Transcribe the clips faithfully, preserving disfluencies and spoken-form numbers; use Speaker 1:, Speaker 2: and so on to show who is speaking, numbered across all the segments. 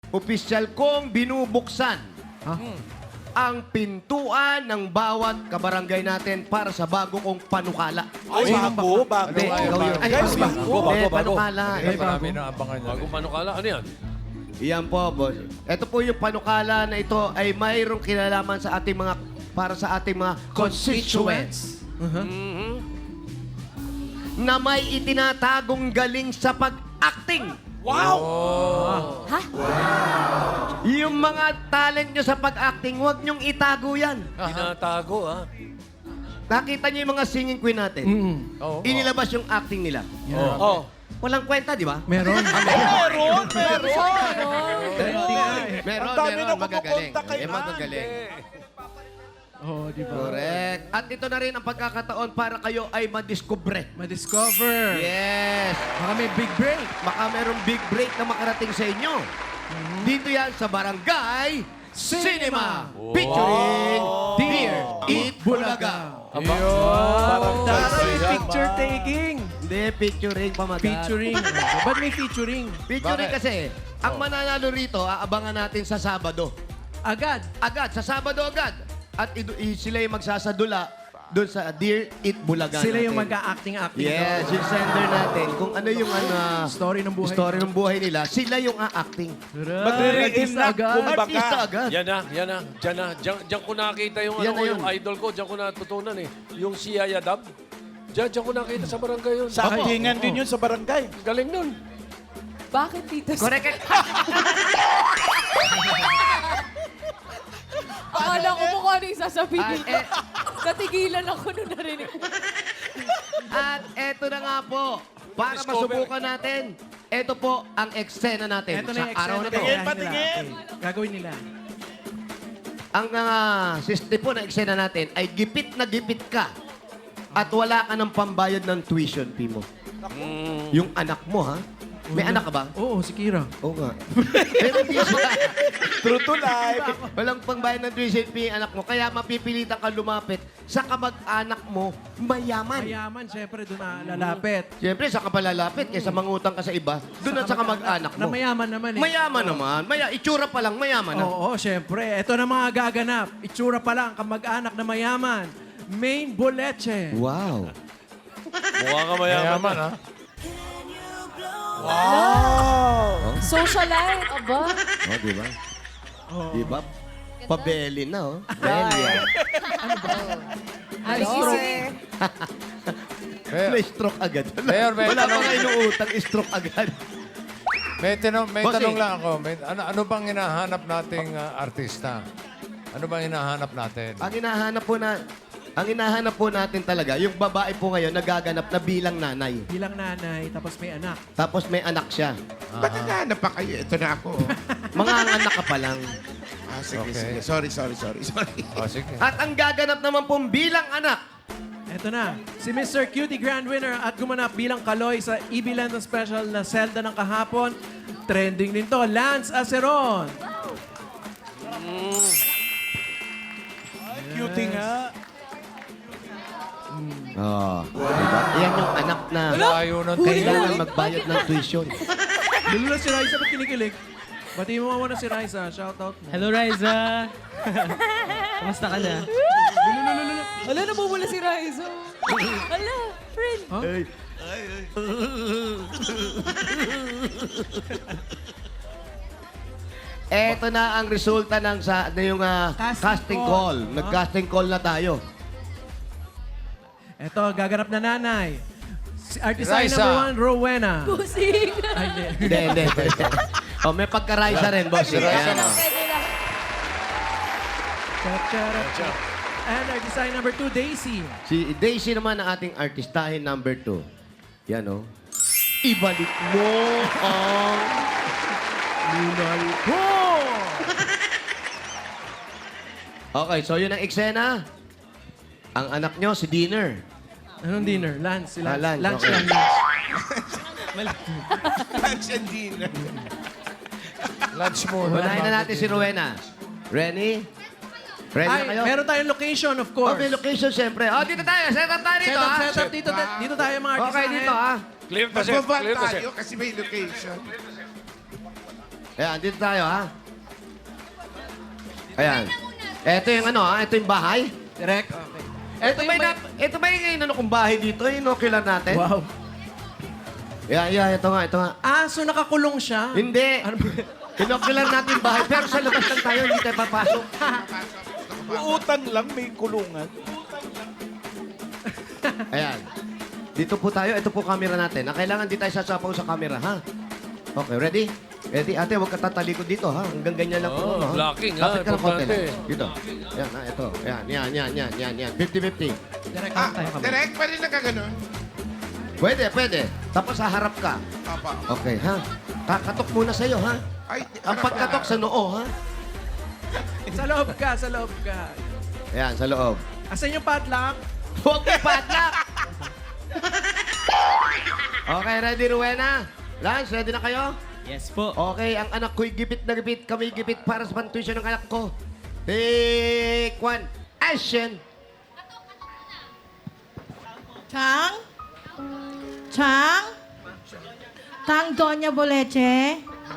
Speaker 1: opisyal kong binubuksan
Speaker 2: Ha?
Speaker 1: ang pintuan ng bawat kabarangay natin para sa bago kong panukala.
Speaker 3: Ay, bago, bago.
Speaker 1: Hindi, ikaw yun.
Speaker 3: Ay,
Speaker 1: Guys,
Speaker 3: bago,
Speaker 1: bago,
Speaker 3: bago, bago.
Speaker 1: panukala.
Speaker 2: Ay,
Speaker 1: Eh,
Speaker 2: marami
Speaker 1: bago.
Speaker 2: na abangan niya.
Speaker 4: Bagong panukala. Ano yan?
Speaker 1: Iyan po, boss. Ito po yung panukala na ito ay mayroong kinalaman sa ating mga, para sa ating mga constituents
Speaker 4: Mhm.
Speaker 1: na may itinatagong galing sa pag-acting.
Speaker 3: Wow!
Speaker 1: Yung mga talent nyo sa pag-acting, huwag nyong itago yan.
Speaker 4: Tinatago, ha?
Speaker 1: Nakita nyo yung mga singing queen natin.
Speaker 4: Oo.
Speaker 1: Inilabas yung acting nila.
Speaker 3: Oh.
Speaker 1: Walang kwenta, di ba?
Speaker 2: Meron.
Speaker 3: Meron, meron.
Speaker 1: Meron,
Speaker 3: Ang dami
Speaker 1: meron,
Speaker 3: na
Speaker 1: magagaling.
Speaker 3: kumukonta kay
Speaker 1: Eh, magagaling.
Speaker 2: Oo, di ba?
Speaker 1: Correct. At ito na rin ang pagkakataon para kayo ay madiscover.
Speaker 2: Ma-discover.
Speaker 1: Yes.
Speaker 2: Baka may big break.
Speaker 1: Baka merong big break na makarating sa inyo. Dito yan sa Barangay Cinema. Featuring Dear Eat Bulaga.
Speaker 4: Aba.
Speaker 3: Parang
Speaker 2: Taray,
Speaker 3: tayo.
Speaker 2: picture taking.
Speaker 1: Hindi, featuring pamagat.
Speaker 2: Featuring. Ba't may featuring?
Speaker 1: Featuring
Speaker 4: Bakit?
Speaker 1: kasi, ang mananalo rito, aabangan natin sa Sabado.
Speaker 2: Agad.
Speaker 1: Agad, sa Sabado agad. At idu- i- sila yung magsasadula doon sa Dear Eat Bulaga
Speaker 2: Sila yung
Speaker 1: natin.
Speaker 2: mag-a-acting-acting.
Speaker 1: Yes, yung sender natin. Kung ano yung ano,
Speaker 2: Story ng buhay.
Speaker 1: story ng buhay nila, sila yung a-acting.
Speaker 3: Magre-reenact, kumbaga.
Speaker 1: Artista agad.
Speaker 4: Yan na, yan na. Diyan na. Diyan, diyan ko nakita yung,
Speaker 1: Yan
Speaker 4: ano,
Speaker 1: na
Speaker 4: ko,
Speaker 1: yun.
Speaker 4: yung idol ko. Diyan ko natutunan eh. Yung si Yaya Dab. Diyan, diyan ko nakita sa barangay yun.
Speaker 3: Sa actingan din yun sa barangay.
Speaker 4: Galing nun.
Speaker 5: Bakit, Tito?
Speaker 1: Correct.
Speaker 5: Akala ko mo kung ano yung sasabihin.
Speaker 1: Ah, eh.
Speaker 5: Natigilan ako nung narinig ko.
Speaker 1: At eto na nga po, para
Speaker 4: Discover.
Speaker 1: masubukan natin, eto po ang eksena natin
Speaker 2: Ito
Speaker 1: sa
Speaker 2: na yung
Speaker 1: araw na to.
Speaker 3: Tingin,
Speaker 2: Tingin,
Speaker 3: patingin.
Speaker 2: Gagawin nila.
Speaker 1: Ang uh, system po na eksena natin ay gipit na gipit ka at wala ka ng pambayad ng tuition fee mo. Yung anak mo, ha? May anak ka ba?
Speaker 2: Oo, si Kira.
Speaker 1: Oo nga. Pero hindi siya.
Speaker 3: True to life.
Speaker 1: Walang pangbayad ng tuition fee yung anak mo. Kaya mapipilitan ka lumapit sa kamag-anak mo mayaman.
Speaker 2: Mayaman, syempre, doon na lalapit.
Speaker 1: Siyempre, sa kapalalapit, kaysa mangutang ka sa iba, doon at sa kamag-anak
Speaker 2: Na
Speaker 1: mo.
Speaker 2: mayaman naman eh.
Speaker 1: Mayaman naman. Maya, itsura pa lang, mayaman na.
Speaker 2: Oo, syempre. Ito na mga gaganap. Itsura pa lang, kamag-anak na mayaman. Main Boleche.
Speaker 1: Wow.
Speaker 4: Mukha ka mayaman, ha?
Speaker 3: Wow!
Speaker 5: Socialite, aba.
Speaker 1: Oh, di ba?
Speaker 2: Oo.
Speaker 1: Di ba? Pabeli na, oh. Belly.
Speaker 5: Ay, easy.
Speaker 1: May stroke agad.
Speaker 6: Mayor, may
Speaker 1: Wala pa
Speaker 6: tanong.
Speaker 1: nga inuutang, stroke agad.
Speaker 6: May, tanong, may
Speaker 1: Bossing.
Speaker 6: tanong lang ako. May, ano, ano bang hinahanap nating ah, artista? Ano bang hinahanap natin?
Speaker 1: Ang hinahanap po na, ang hinahanap po natin talaga, yung babae po ngayon nagaganap na bilang nanay.
Speaker 2: Bilang nanay, tapos may anak.
Speaker 1: Tapos may anak siya.
Speaker 7: Ba't naghahanap pa kayo? Ito na ako.
Speaker 1: Mga anak ka pa lang.
Speaker 7: Ah, sige,
Speaker 6: Okay.
Speaker 7: sige. Sorry, sorry, sorry, sorry.
Speaker 6: O, sige.
Speaker 1: At ang gaganap naman pong bilang anak,
Speaker 2: Ito na, si Mister Cutie Grand Winner at gumanap bilang Kaloy sa E B Land Special na Zelda ng kahapon. Trending din to, Lance Aceron.
Speaker 3: Cutie nga.
Speaker 1: oh, diba? Yan yung anak na
Speaker 6: Layo ng
Speaker 1: kailangan magbayad ng tuition.
Speaker 2: Dulo na si Raisa, ba't kinikilig? Pati mo muna si Raisa, shout out mo.
Speaker 8: Hello, Riza! Kamusta ka na?
Speaker 5: Wala, nabubula si Raizo. Wala, friend.
Speaker 1: Ay. Eto na ang resulta ng sa na yung ah,
Speaker 2: Casting
Speaker 1: casting,
Speaker 2: call.
Speaker 1: call. Nag-casting call na tayo.
Speaker 2: Ito, gaganap na nanay. Si artista
Speaker 6: Raisa.
Speaker 2: number one, Rowena.
Speaker 5: Pusing.
Speaker 2: Ay, hindi.
Speaker 1: Hindi, hindi. hindi. oh, may pagka-Raisa rin, boss.
Speaker 5: Pwede
Speaker 1: Ayan,
Speaker 5: lang,
Speaker 1: oh.
Speaker 5: pwede lang.
Speaker 2: Cha-cha-ra. And artista number two, Daisy.
Speaker 1: Si Daisy naman ang ating artistahin number two. Yan, oh. Ibalik mo ang lunal ko! Okay, so yun ang eksena. Ang anak nyo, si Dinner.
Speaker 2: Anong dinner? Lance. Si
Speaker 1: Ah,
Speaker 2: Lance.
Speaker 1: lunch,
Speaker 2: Lunch
Speaker 1: okay.
Speaker 2: yan, lunch.
Speaker 7: Lunch and dinner.
Speaker 6: Lunch muna.
Speaker 1: Unahin na natin si Rowena. Ready? Ready
Speaker 2: Ay,
Speaker 1: na kayo?
Speaker 2: meron tayong location, of
Speaker 1: Oh,
Speaker 2: course.
Speaker 1: may location, siyempre. Oh, dito tayo. Set up tayo
Speaker 2: Set
Speaker 1: dito,
Speaker 2: up,
Speaker 1: ha?
Speaker 2: set up. Dito, dito tayo mga artista.
Speaker 1: Okay, dito, ha?
Speaker 4: Clear to, sir.
Speaker 7: Magbaba
Speaker 4: Clear to, sir.
Speaker 7: tayo kasi may location.
Speaker 1: Ayan, dito tayo, ha? Ayan. Ito yung ano, ha? Ito yung bahay.
Speaker 2: Direct? Okay.
Speaker 1: Ito ba yung, nap- ito ba yung ano kong bahay dito? Yung inocular natin?
Speaker 2: Wow.
Speaker 1: Yeah, yeah, ito nga, ito nga.
Speaker 2: Ah, so nakakulong siya?
Speaker 1: Hindi.
Speaker 2: Ano ba?
Speaker 1: Inocular natin yung bahay, pero sa labas lang tayo, hindi tayo papasok.
Speaker 3: Uutang lang, may kulungan.
Speaker 1: Ayan. Dito po tayo. Ito po camera natin. Ang kailangan di tayo sasapaw sa camera, ha? Okay, ready? Ready? Ate, huwag ka tatalikod dito, ha? Hanggang ganyan lang po.
Speaker 4: Oo,
Speaker 1: ano, ha?
Speaker 4: blocking, ha?
Speaker 1: Lapit ka ng konti
Speaker 4: Importante.
Speaker 1: lang. Dito. Yan, ha? Ito. Yan, yan, yan, yan, yan, yan. fifty-fifty.
Speaker 2: Direct
Speaker 7: Ah,
Speaker 2: tayo kami.
Speaker 7: direct pa rin nagkaganon.
Speaker 1: Pwede, pwede. Tapos haharap ka.
Speaker 7: Papa.
Speaker 1: Okay, ha? Kakatok muna sa'yo, ha?
Speaker 7: Ay,
Speaker 1: Ang pagkatok sa noo, ha?
Speaker 2: Sa loob ka, sa loob ka.
Speaker 1: Ayan, sa loob.
Speaker 2: Asan yung padlock?
Speaker 1: Huwag mo padlock! Okay, ready, Rowena? Lance, ready na kayo?
Speaker 8: Yes po.
Speaker 1: Okay, ang anak ko'y gipit na gipit. Kami gipit para sa pantuition ng anak ko. Take one. Action!
Speaker 9: Chang? Chang? Tang Doña Boleche?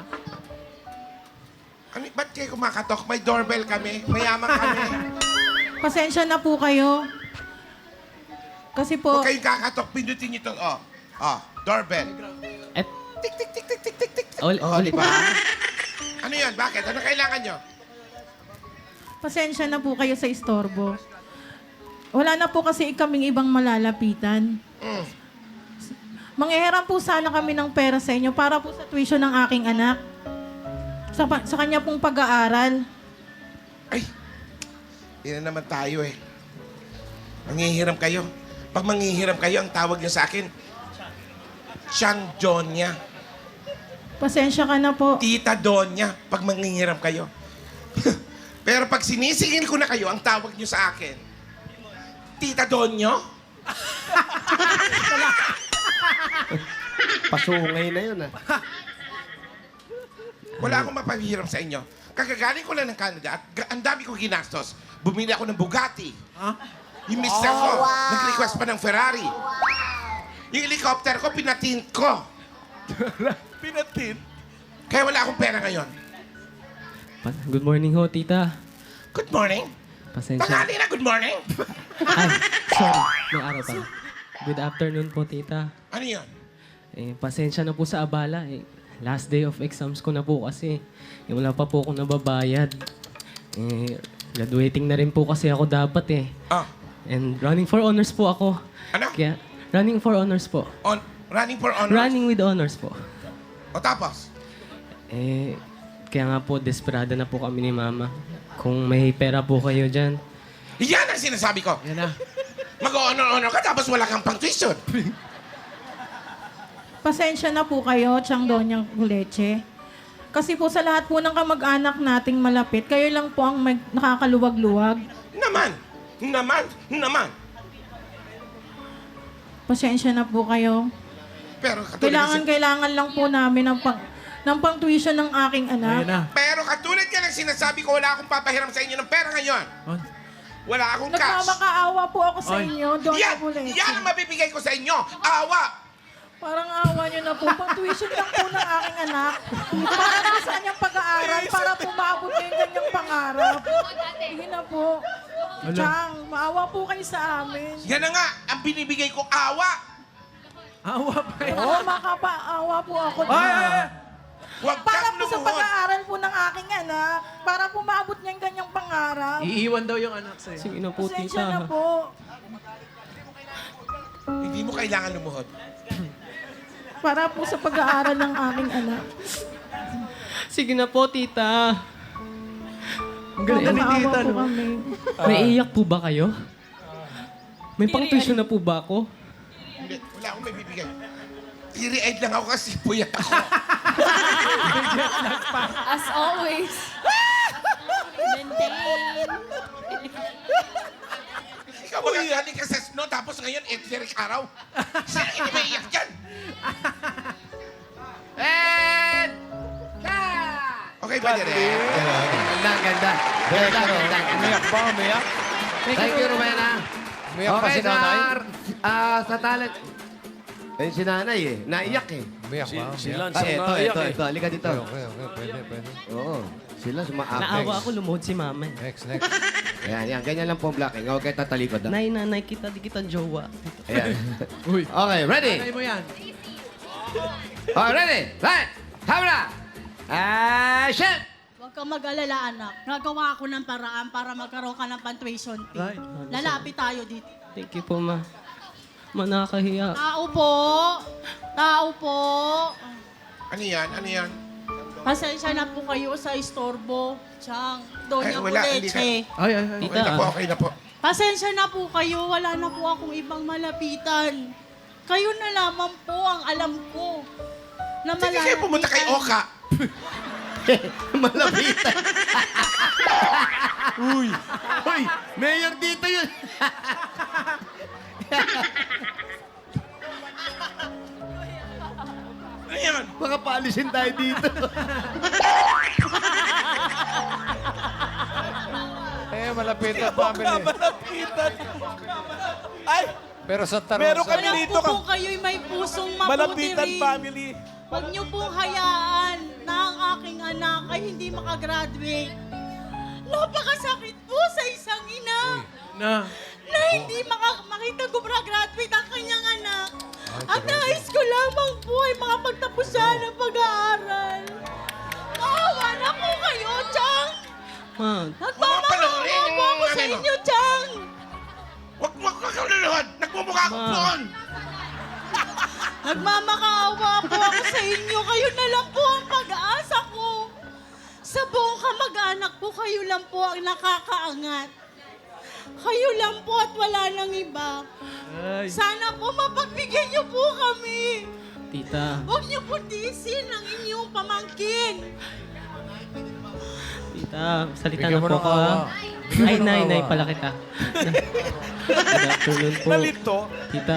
Speaker 7: Ano, ba't kayo kumakatok? May doorbell kami. Mayaman kami.
Speaker 9: Pasensya na po kayo. Kasi po,
Speaker 7: Huwag kayong kakatok. Pindutin nyo ito. Oh. Oh, doorbell.
Speaker 8: Et,
Speaker 7: Tik, tik, tik, tik, tik, tik, tik.
Speaker 8: uli,
Speaker 7: Oh,
Speaker 8: ulit.
Speaker 7: di ba? Ano yan? Bakit? Ano kailangan nyo?
Speaker 9: pasensya na po kayo sa istorbo. Wala na po kasi kaming ibang malalapitan.
Speaker 7: Mm.
Speaker 9: Manghihiram po sana kami ng pera sa inyo para po sa tuition ng aking anak. Sa, pa- sa kanya pong pag-aaral.
Speaker 7: Ay, yun na naman tayo eh. Manghihiram kayo. Pag manghihiram kayo, ang tawag niyo sa akin, Siyang Donya.
Speaker 9: Pasensya ka na po.
Speaker 7: Tita Donya, pag manghihiram kayo. Pero pag sinisingil ko na kayo, ang tawag niyo sa akin, Tita Donyo?
Speaker 1: Pasungay na yun, ha?
Speaker 7: Wala akong mapahiram sa inyo. Kakagaling ko lang ng Canada at ga- ang dami kong ginastos. Bumili ako ng Bugatti.
Speaker 2: Ha?
Speaker 7: Yung mister ko, nag-request pa ng Ferrari. Yung helicopter ko, pinatint ko.
Speaker 3: Pinatin.
Speaker 7: Kaya wala akong pera ngayon.
Speaker 8: Pa- Good morning ho, tita.
Speaker 7: Good morning.
Speaker 8: Pasensya.
Speaker 7: Tanghali na, good morning.
Speaker 8: Ay, sorry. May araw pa. Good afternoon po, tita.
Speaker 7: Ano yun?
Speaker 8: Eh, pasensya na po sa abala. Eh, last day of exams ko na po kasi. Eh, wala pa po akong nababayad. Eh, graduating na rin po kasi ako dapat eh.
Speaker 7: Ah,
Speaker 8: And running for honors po ako.
Speaker 7: ano?
Speaker 8: Kaya, running for honors po.
Speaker 7: On, running for honor?
Speaker 8: Running with honors po.
Speaker 7: O tapos?
Speaker 8: Eh, kaya nga po, desperada na po kami ni Mama. Kung may pera po kayo dyan.
Speaker 7: Yan ang sinasabi ko.
Speaker 2: Yan na.
Speaker 7: Mag-honor-honor ka tapos wala kang pang tuition.
Speaker 9: Pasensya na po kayo, Chang Doña Boleche. Kasi po sa lahat po ng kamag-anak nating malapit, kayo lang po ang mag- nakakaluwag-luwag.
Speaker 7: Naman. Naman. Naman.
Speaker 9: Pasensya na po kayo.
Speaker 7: Pero katulad
Speaker 9: Kailangan,
Speaker 7: ng,
Speaker 9: kailangan lang po namin ng, pang, ng pang-tuition ng aking
Speaker 2: Ayan
Speaker 9: anak.
Speaker 2: na.
Speaker 7: pero katulad ka ng sinasabi ko, wala akong papahiram sa inyo ng pera ngayon.
Speaker 2: On.
Speaker 7: Wala akong cash.
Speaker 9: Nagmamakaawa po ako sa
Speaker 2: Oy.
Speaker 9: inyo, Doña
Speaker 7: Yan,
Speaker 9: Boleche.
Speaker 7: yan ang mabibigay ko sa inyo. Awa.
Speaker 9: Parang awa niyo na po. Pang-tuition lang po ng aking anak. Para po sa kanyang pag-aaral, para po maabot niya yung kanyang pangarap. Hindi na po. Chang, maawa po kayo sa amin.
Speaker 7: Yan na nga, ang binibigay ko, awa.
Speaker 2: Awa pa yan.
Speaker 9: Oo, makapaawa po ako.
Speaker 2: Ay, ay, ay.
Speaker 7: Huwag
Speaker 9: Para
Speaker 7: kang
Speaker 9: po sa
Speaker 7: lumuhod.
Speaker 9: pag-aaral po ng aking anak, para po maabot niya yung kanyang pangarap.
Speaker 2: Iiwan daw yung anak sa'yo.
Speaker 8: Sige na po,
Speaker 9: Pasensya na
Speaker 8: tita.
Speaker 9: po.
Speaker 7: Hindi mo kailangan lumuhod.
Speaker 9: Para po sa pag-aaral ng aking anak.
Speaker 8: Sige na po, tita. Ang galing.
Speaker 2: Ni
Speaker 9: Maawa
Speaker 2: tita,
Speaker 9: po
Speaker 2: no?
Speaker 9: kami.
Speaker 8: May iyak po ba kayo? May pang-tuition na po ba ako?
Speaker 7: Hindi, wala akong may bibigay. Tiri-eyed lang ako kasi puyat ako.
Speaker 5: As always. Maintain.
Speaker 7: Ikaw ba galing ka sa snow tapos ngayon, Eric Araw? Saan hindi may iyak dyan?
Speaker 1: And...
Speaker 7: Okay, pwede rin.
Speaker 1: Ganda, ganda. Ganda, ganda.
Speaker 6: Umiyak ba? Umiyak?
Speaker 1: Thank you, Rowena.
Speaker 6: Umiyak pa
Speaker 1: Okay,
Speaker 6: si nanay?
Speaker 1: sa, ah, sa talent. Ayun si nanay eh. Naiyak eh.
Speaker 6: Umiyak
Speaker 4: Si,
Speaker 6: ba?
Speaker 4: si
Speaker 6: Umiyak?
Speaker 4: Lance
Speaker 1: Ah,
Speaker 4: ang
Speaker 1: ito,
Speaker 4: naiyak
Speaker 1: ito,
Speaker 4: eh.
Speaker 1: ito. Halika dito.
Speaker 6: Okay, okay, okay. Pwede, pwede.
Speaker 1: Oo. Sila sumaakay.
Speaker 8: Naawa ako, lumuhod si mama. eh.
Speaker 6: Next, next.
Speaker 1: Ayan, yan. Ganyan lang po ang blocking. Huwag kayo tatalikod. ah.
Speaker 8: Nay, nanay, kita, di kita jowa.
Speaker 1: Ayan.
Speaker 2: Uy.
Speaker 1: Okay, ready?
Speaker 2: Anay mo yan.
Speaker 1: Okay, ready? Right. Camera. Action!
Speaker 10: Huwag kang mag-alala, anak. Nagawa ako ng paraan para magkaroon ka ng pan-tuition fee.
Speaker 2: Right.
Speaker 10: Lalapit tayo dito.
Speaker 8: Thank you po, ma. Ma, nakakahiya.
Speaker 10: Tao po! Tao po!
Speaker 7: Ano yan? Ano yan?
Speaker 10: Pasensya na po kayo sa istorbo. Chang, Doña
Speaker 7: Ay, wala, hindi
Speaker 10: Puleche.
Speaker 2: Ay, ay, ay.
Speaker 7: Okay na po, okay na po.
Speaker 10: Pasensya na po kayo. Wala na po akong ibang malapitan. Kayo na lamang po ang alam ko. Na
Speaker 7: Sige kayo pumunta kay Oka.
Speaker 1: Malapitan. Uy. Uy, mayor dito yun.
Speaker 7: Ano yan?
Speaker 1: Baka paalisin tayo dito.
Speaker 6: Eh, malapit ang family.
Speaker 3: Malapitan. Ay,
Speaker 6: Pero sa tarong...
Speaker 3: Meron
Speaker 6: sa-
Speaker 3: kami
Speaker 10: Alam
Speaker 3: dito
Speaker 10: ko po
Speaker 3: ka.
Speaker 10: kayo'y may pusong mabuti
Speaker 3: Malapitan
Speaker 10: rin.
Speaker 3: family.
Speaker 10: Huwag niyo pong hayaan na ang aking anak ay hindi makagraduate. Napakasakit po sa isang ina
Speaker 2: Na.
Speaker 10: na hindi maka- makita gumraduate ang kanyang anak. Ang nais ko lamang po ay makapagtapos siya ng pag-aaral. Maawa na po kayo, Chang!
Speaker 8: Ma,
Speaker 10: Nagmamakaawa po ako sa inyo, Chang!
Speaker 7: Huwag mo ka kaluluhod. Nagmumukha ako
Speaker 8: Ma.
Speaker 7: doon.
Speaker 10: Nagmamakaawa po ako sa inyo. Kayo na lang po ang pag-aasa ko. Sa buong kamag-anak po, kayo lang po ang nakakaangat. Kayo lang po at wala nang iba.
Speaker 2: Ay.
Speaker 10: Sana po mapagbigyan niyo po kami.
Speaker 8: tita,
Speaker 10: Huwag niyo po tiisin ang inyong pamangkin.
Speaker 8: tita, salita
Speaker 6: Bigyan
Speaker 8: na
Speaker 6: mo
Speaker 8: po
Speaker 6: ng
Speaker 8: ko,
Speaker 6: awa.
Speaker 8: ha?
Speaker 6: Bigyan
Speaker 8: Ay,
Speaker 6: mo ng
Speaker 8: nay, nay,
Speaker 6: awa.
Speaker 8: pala kita. Good afternoon po.
Speaker 3: Nalito.
Speaker 8: Tita.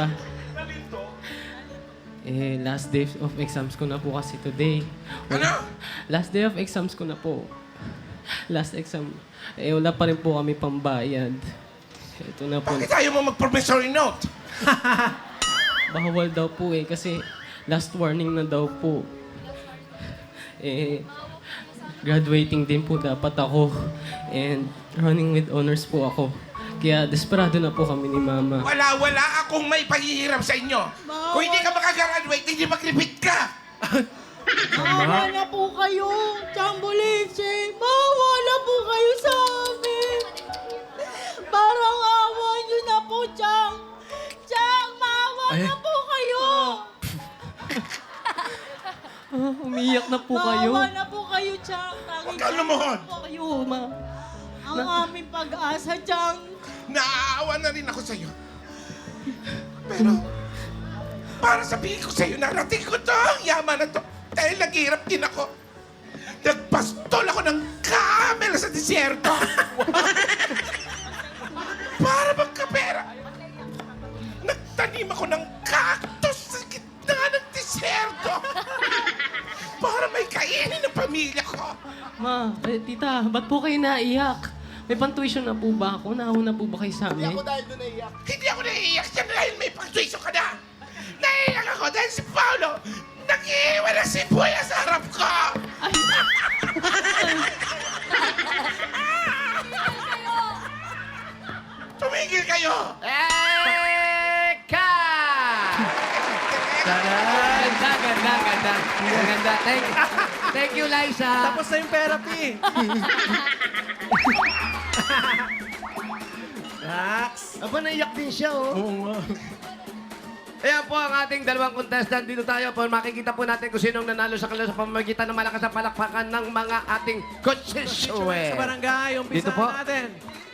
Speaker 8: Eh, last day of exams ko na po kasi today.
Speaker 7: Ano?
Speaker 8: Last day of exams ko na po. Last exam. Eh, wala pa rin po kami pambayad. Ito na po.
Speaker 7: Bakit ayaw mo mag-promissory note?
Speaker 8: Bawal daw po eh, kasi last warning na daw po. Eh, graduating din po dapat ako. And running with honors po ako. Kaya desperado na po kami ni Mama.
Speaker 7: Wala, wala akong may paghihiram sa inyo. Kung hindi ka makagraduate, hindi mag-repeat ka.
Speaker 10: Maawa na po kayo, Chang Boleche. Maawa na po kayo sa amin. Parang awa niyo na po, Chang. Chang, maawa
Speaker 2: Ay.
Speaker 10: na po kayo.
Speaker 8: Ah, umiyak na po kayo.
Speaker 10: Maawa na po kayo, Chang.
Speaker 7: Huwag kang lumuhod.
Speaker 10: Po kayo.
Speaker 8: Kayo, Ma.
Speaker 10: Ang aming pag-asa, Chang.
Speaker 7: Naaawa na rin ako sa'yo. Pero, para sabihin ko sa'yo, narating ko to, ang yaman na to. Dahil naghihirap din ako. Nagpastol ako ng camel sa disyerto. Para magkapera. Nagtanim ako ng cactus sa gitna ng disyerto. Para may kainin ng pamilya ko.
Speaker 8: Ma, eh, tita, ba't po kayo naiyak? May pantuition na po ba ako? Nauna po ba kayo sa amin?
Speaker 7: Hindi ako naiiyak dyan dahil may pagtuiso ka na. Naiiyak ako dahil si Paolo nag-iiwan ng sibuya sa harap ko. Tumigil kayo!
Speaker 1: Eka! Ganda, ganda, ganda. Ganda. Thank you. Thank you, Liza.
Speaker 2: Tapos na yung therapy. Relax.
Speaker 1: Aba, naiyak din siya, oh.
Speaker 2: Oo nga.
Speaker 1: Ayan po ang ating dalawang contestant. Dito tayo po. Makikita po natin kung sinong nanalo sa kanila sa pamamagitan ng malakas na palakpakan ng mga ating coaches.
Speaker 2: Sa barangay, umpisa
Speaker 1: Dito po.
Speaker 2: natin.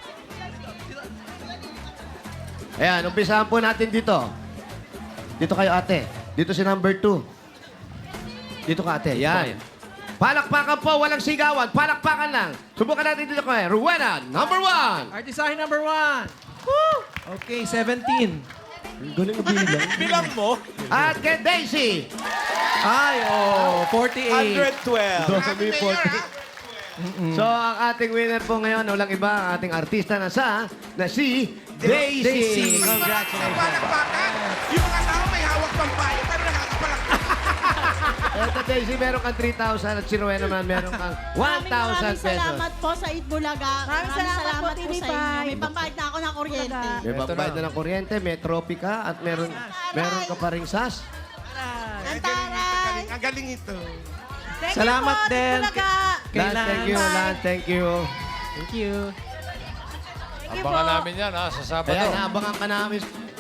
Speaker 1: Ayan, umpisahan po natin dito. Dito kayo, ate. Dito si number two. Dito ka, ate. Yan. Palakpakan po, walang sigawan. Palakpakan lang. Subukan natin dito kay Rowena, number one.
Speaker 2: Artisahin number one. Woo! Okay, seventeen.
Speaker 1: Galing na bilang.
Speaker 3: Bilang mo,
Speaker 1: At kay Daisy.
Speaker 2: Ay, oh, forty-eight.
Speaker 3: one twelve.
Speaker 7: Happy Mayor, ha?
Speaker 1: So, ang ating winner po ngayon, walang iba, ang ating artista na sa, na si Daisy.
Speaker 2: Daisy.
Speaker 1: Congratulations.
Speaker 7: Palakpakan. Yung mga tao may hawak pambayad, pero nakakapalak.
Speaker 1: Eto, Daisy, meron kang three thousand at si Rowena naman meron kang one
Speaker 10: Maraming
Speaker 1: thousand
Speaker 10: maraming
Speaker 1: pesos.
Speaker 10: salamat po sa Itbulaga.
Speaker 9: Maraming salamat po,
Speaker 10: po
Speaker 9: T V
Speaker 10: sa inyo.
Speaker 9: five.
Speaker 10: May pambayad na ako ng kuryente.
Speaker 1: May
Speaker 6: Ito
Speaker 1: pambayad
Speaker 6: na.
Speaker 1: na ng kuryente, may trophy ka, at meron, meron ka pa ring sas.
Speaker 7: Ang galing, ang galing, ang galing ito.
Speaker 9: Thank
Speaker 2: Salamat
Speaker 9: you po,
Speaker 2: din.
Speaker 9: Itbulaga.
Speaker 2: Kay
Speaker 1: Lance, thank you,
Speaker 2: Lance.
Speaker 1: Lance, thank you.
Speaker 2: Thank you.
Speaker 9: Thank you
Speaker 6: Abangan
Speaker 9: po.
Speaker 6: namin yan ha, sa Sabado.
Speaker 1: Kaya naabangan ka namin